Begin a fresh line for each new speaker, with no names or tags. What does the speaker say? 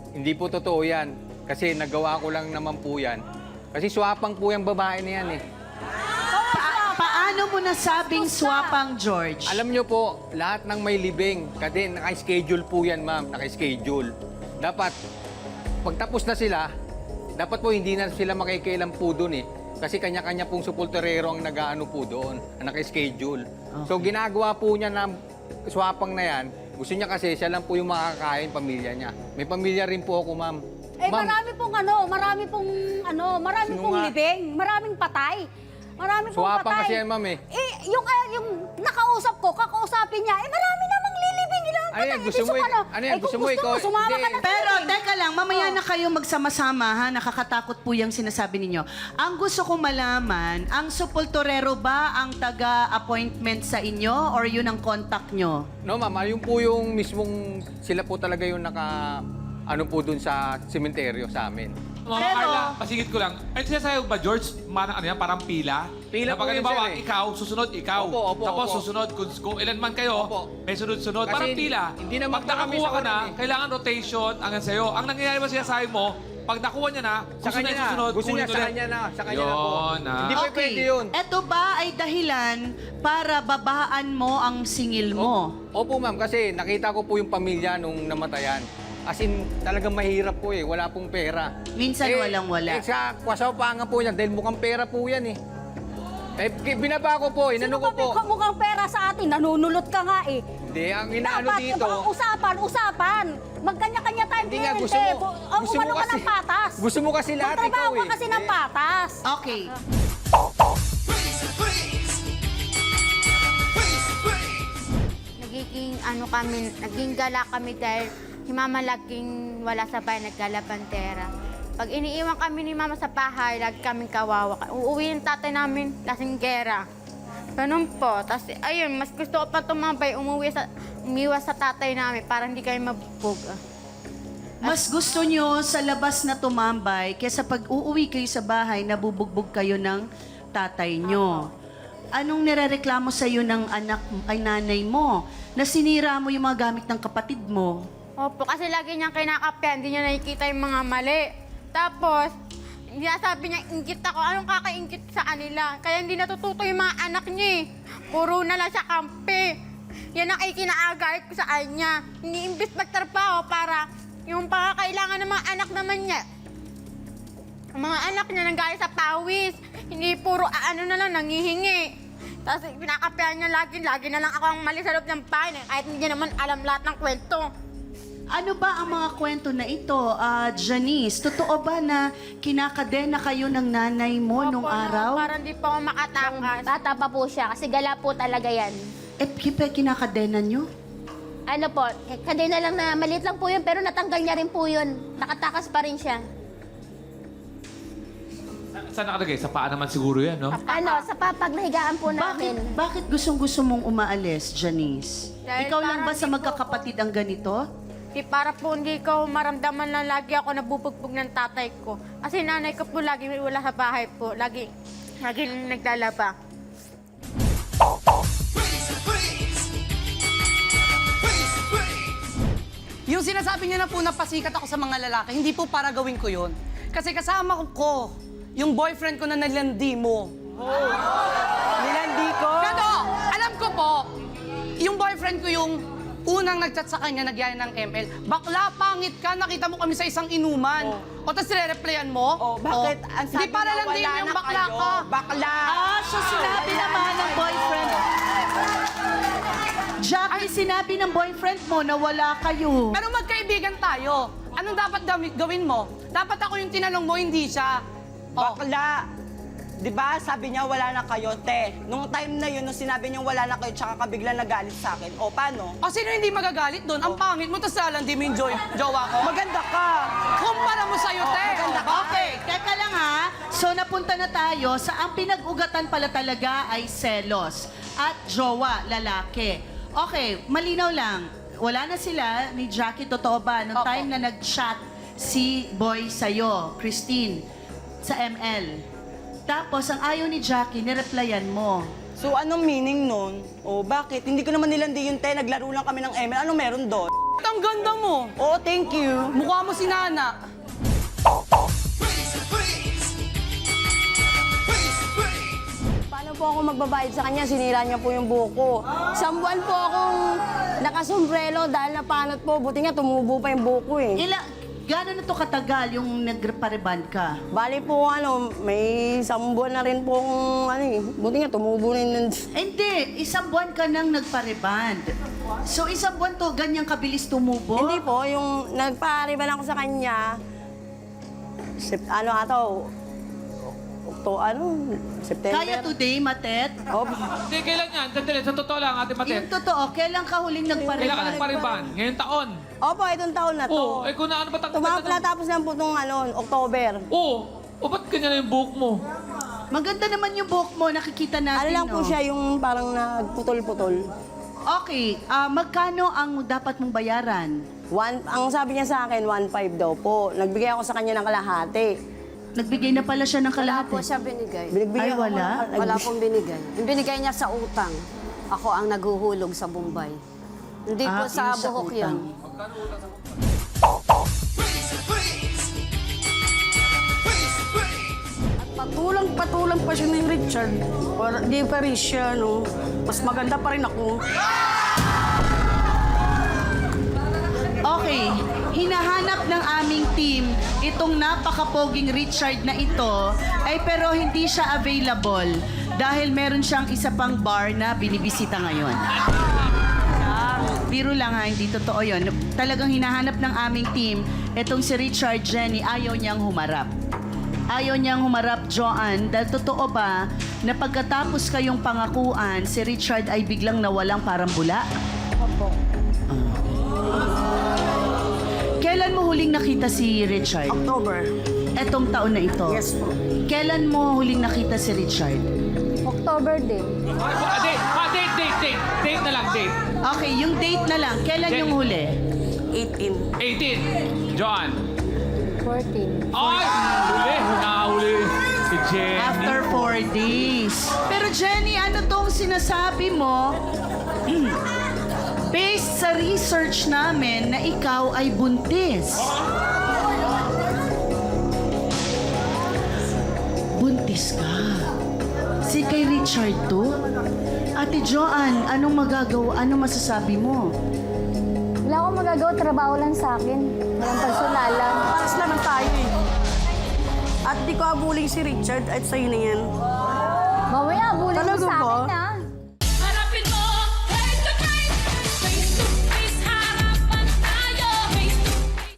Hindi po totoo yan. Kasi nagawa ko lang naman po yan. Kasi swapang po yung babae na yan eh.
Paano mo nasabing swapang, George?
Alam nyo po, lahat ng may libing, kasi naka-schedule po yan, ma'am. Naka-schedule. Dapat, pagtapos na sila, dapat po hindi na sila makikialam po doon eh. Kasi kanya-kanya pong supulterero ang nag-aano po doon, naka-schedule. So ginagawa po niya na swapang na yan, gusto niya kasi siya lang po yung makakain, pamilya niya. May pamilya rin po ako, ma'am.
Eh,
Ma'am,
marami pong libing, maraming patay. Marami pong
swapang
patay.
kasi yan, ma'am eh.
Eh, yung nakausap ko, kakausapin niya, marami namang lilibing.
Ano yan, gusto mo, ano yan, gusto mo ikaw,
sumama ka
hindi.
na.
Pero, teka lang, mamaya na kayo magsama-sama, ha? Nakakatakot po yung sinasabi ninyo. Ang gusto kong malaman, ang supulturero ba ang taga-appointment sa inyo or yun ang contact nyo?
No, ma'am, yun po yung mismong, sila po talaga yung ano po dun sa sementeryo sa amin.
Mama Carla, pasigit ko lang. Ay, sinasabi ba, George, parang pila?
Pila
na
po
pag
yun,
halimbawa,
sir, eh.
ikaw, susunod ikaw.
Opo,
Tapos
opo.
susunod, kung ilan man kayo,
Opo.
may sunod-sunod.
Kasi
Parang pila.
hindi naman
Pag
po kami
nakakuha
sa
ka na,
oras eh.
kailangan rotation hanggang sa'yo. Ang nangyayari ba sinasabi mo, pag nakuha niya na,
Sa
gusto
kanya
na yung
na.
susunod,
Gusto niya
kunin
sa
ulit.
kanya na. Sa kanya na po.
Yun, ah.
Hindi po pwede yun.
Eto ba ay dahilan para babaan mo ang singil mo?
Opo, ma'am, kasi nakita ko po yung pamilya nung namatayan. As in, talagang mahirap po eh. Wala pong pera.
Minsan walang-wala.
Eh, sa kwasaw pa nga po yan, dahil mukhang pera po yan eh. Eh, binaba ko po, inano ko po.
Mukhang pera sa atin, nanunulot ka nga eh.
Hindi, ang inaano
Dapat,
dito.
usapan. Magkanya-kanya tayo.
Hindi nga, gusto mo. Gusto mo
Umano ka
kasi.
ng patas.
Gusto mo kasi lahat ikaw
Magtrabaho
eh.
ka kasi ng patas.
Okay.
Naging gala kami dahil si Mama laging wala sa bahay, naggalabantera. Pag iniiwan kami ni Mama sa bahay, lagi kaming kawawa. Uuwi yung tatay namin, lasinggera. Ganun po. Tapos, ayun, mas gusto ko pa tumambay, umiwas sa tatay namin para hindi kami mabubog.
Mas gusto nyo sa labas na tumambay kaysa pag uuwi kayo sa bahay, nabubugbog kayo ng tatay nyo. Anong nirereklamo sa iyo ng anak ay nanay mo? Na sinira mo yung mga gamit ng kapatid mo?
Opo, kasi lagi niyang kinakapyan, hindi niya nakikita yung mga mali. Tapos, sabi niya, ingkit ako. Anong kakaingkit sa kanila? Kaya hindi natututo yung mga anak niya eh. Puro na lang siya kampi. Yan ang ikinaagalit ko sa kanya. Iniimbis magtrabaho para yung pangakailangan ng mga anak naman niya. Ang mga anak niya nanggaling sa pawis. Hindi puro ano na lang, nangihingi. Tapos pinakapihan niya lagi na lang ako ang mali sa loob ng bahay. Kahit hindi niya naman alam lahat ng kwento.
Ano ba ang mga kwento na ito, Janice? Totoo ba na kinakadena kayo ng nanay mo nung
Opo,
araw?
Parang di pa ako makatakas.
Bata pa po siya kasi gala po talaga yan.
Kinakadena nyo?
Ano po, kadena lang na maliit lang po yun pero natanggal niya rin po yun. Nakatakas pa rin siya.
Saan nakalagay? Sa paa naman siguro yan, no?
Ano, sa papagnahigaan po namin.
Bakit gustong-gusto mong umaalis, Janice?
Dahil
Ikaw lang ba
parang
sa
di po
magkakapatid ang ganito?
Para po hindi ko maramdaman na lagi ako nabubugbog ng tatay ko. Kasi nanay ko po lagi wala sa bahay po. Lagi naglalaba.
Yung sinasabi niya na po na pasikat ako sa mga lalaki, hindi po para gawin ko yun. Kasi kasama ko yung boyfriend ko na nilandi mo.
Nilandi ko?
Pero alam ko po, yung boyfriend ko yung unang nagchat sa kanya, nagyaya ng ML. Bakla, pangit ka, nakita mo kami sa isang inuman. O tapos re-replyan mo?
Oh, bakit? Ang sabi
Hindi para
niya,
lang din
wala
mo yung
na
bakla
kayo.
ka.
Bakla!
So sinabi naman ng boyfriend. Jackie, sinabi ng boyfriend mo na wala kayo.
Pero magkaibigan tayo. Anong dapat gawin mo? Dapat ako yung tinanong mo, hindi siya. Oh.
Bakla! Di ba, sabi niya wala na kayo, te. Nung time na yun, nung sinabi niya wala na kayo, tsaka ka biglang nagalit sa akin. O, paano?
O sino hindi magagalit doon? Ang pangit mo, tapos lalandi mo yung jowa ko.
Maganda ka!
Kumpara mo sa'yo, te.
maganda ka.
Okay, teka lang ha. So napunta na tayo sa ang pinag-ugatan pala talaga ay selos at jowa, lalaki. Okay, malinaw lang. Wala na sila ni Jackie, totoo ba? Noong
Opo.
time na nag-chat si Boy sa'yo, Christine, sa ML. Tapos, ang ayaw ni Jackie, nireplyan mo.
So, anong meaning nun? O, bakit? Hindi ko naman nilandi yung te. Naglaro lang kami ng ML. Ano meron doon?
Ang ang ganda mo.
Oo, thank you.
Mukha mo si Nana.
Paano po ako magbabayad sa kanya? Sinira niya po yung buhok ko. Isang buwan po akong nakasombrelo dahil napanot po. Buti nga tumubo pa yung buhok ko eh.
Gano'n na to katagal yung nagpareband ka?
Bali po may isang buwan na rin pong buti nga tumubo na yun.
Hindi, isang buwan ka nang nagpareband. So isang buwan to, ganyang kabilis tumubo?
Hindi po, yung nagpariban ako sa kanya, September.
Kaya today, Matet?
Oh,
Hindi, kailan yan? Sandali, sa totoo lang, Ate
Yung
Matet.
totoo, kailan ka huling
Kailan ka
nagpareband?
nagpariban? Ngayong taon.
Opo, itong taon na to.
Oo, eh kung na ano ba
Natapos lang po itong October.
Oo. O ba't ganyan na yung buhok mo?
Maganda naman yung buhok mo, nakikita natin,
Ano lang po
no?
siya, yung parang nagputol-putol.
Okay, magkano ang dapat mong bayaran?
Ang sabi niya sa akin, 1.5 daw po. Nagbigay ako sa kanya ng kalahati.
Nagbigay na pala siya ng
Wala
kalahati.
po siya binigay.
Ay,
Binigbigay ako
wala?
Wala pong binigay. Yung binigay niya sa utang. Ako ang naghuhulog sa Bombay. Hindi po sa
yun sa
buhok
utang.
yun.
Patulang pa siya ni Richard. Di pa rin siya, no? Mas maganda pa rin ako.
Okay, hinahanap ng aming team itong napakapoging Richard na ito, ay pero hindi siya available dahil meron siyang isa pang bar na binibisita ngayon. Biro lang ha, hindi totoo yun. Talagang hinahanap ng aming team itong si Richard Jenny, ayaw niyang humarap. Ayaw niyang humarap, Joanne, dahil totoo ba na pagkatapos kayong pangakuan, si Richard ay biglang nawalang parang bula?
Opo.
Kailan mo huling nakita si Richard?
October.
Etong taon na ito?
Yes po.
Kailan mo huling nakita si Richard?
October din.
Date. Date na lang, date.
Okay, yung date na lang. Kailan yung huli?
18.
18. Joanne.
14.
Ay! Nahuli si Jenny.
After 4 days. Pero Jenny, ano tong sinasabi mo? Based sa research namin na ikaw ay buntis. Buntis ka. Si kay Richard to? Ate Joanne, anong magagawa? Anong masasabi mo?
Wala akong magagawa, trabaho lang sa akin. Walang personalan.
Paras naman tayo eh. At di ko abuling si Richard at sa'yo na yan.
Mamaya, bulin mo
Talaga
sa
ba?
akin, ha?